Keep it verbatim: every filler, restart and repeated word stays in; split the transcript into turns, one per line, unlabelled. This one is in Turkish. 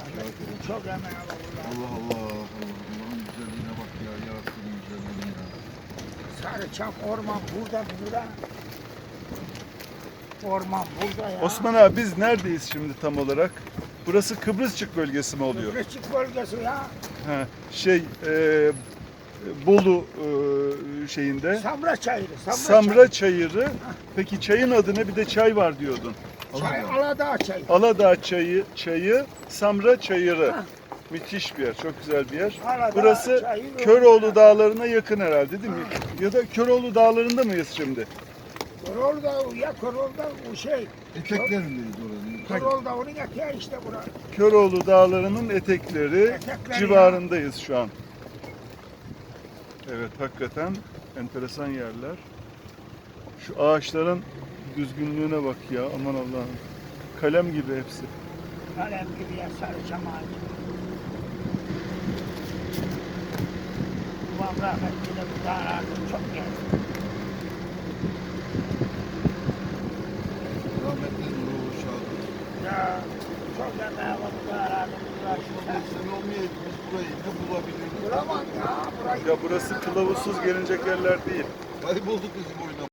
Çok emeği var burada.
Allah Allah. Allah Allah'ın güzelliğine bak ya. Yasin'in güzelliğine ya.
Sarıçam orman burada burada. Orman burada ya.
Osman abi biz neredeyiz şimdi tam olarak? Burası Kıbrısçık bölgesi mi oluyor?
Kıbrısçık bölgesi ya.
Ha, şey e, Bolu e, şeyinde.
Samra çayırı. Samra,
Samra Çayırı. Peki çayın adı ne? Bir de çay var diyordun.
Çay, Aladağ çayı.
Aladağ çayı, çayı, Samra Çayırı.
Ha.
Müthiş bir yer, çok güzel bir yer.
Aladağ
Burası
çayı,
Köroğlu Dağları'na yakın herhalde değil mi? Ya da Köroğlu Dağları'nda mıyız şimdi?
Korolda ya Korolda o şey.
Eteklerindeyiz oranın.
Korolda onun eteği işte bura.
Köroğlu Dağları'nın etekleri
Etekleri
civarındayız şu an. Evet, hakikaten enteresan yerler. Şu ağaçların düzgünlüğüne bak ya, aman Allah'ım. Kalem gibi hepsi.
Kalem gibi ya Sarıçam ağacı. Babam rahmetli de burada arardım çok geldi.
Rahmetli Nurullah Şahin.
Ya çok emeği var burada arardım.
Osman Bey sen olmayaydı biz burayı ne bulabilirdik?
Bulamam ya. Burayı
Ya burası kılavuzsuz gelinecek yerler değil.
Kaybolduk bizim oyuna.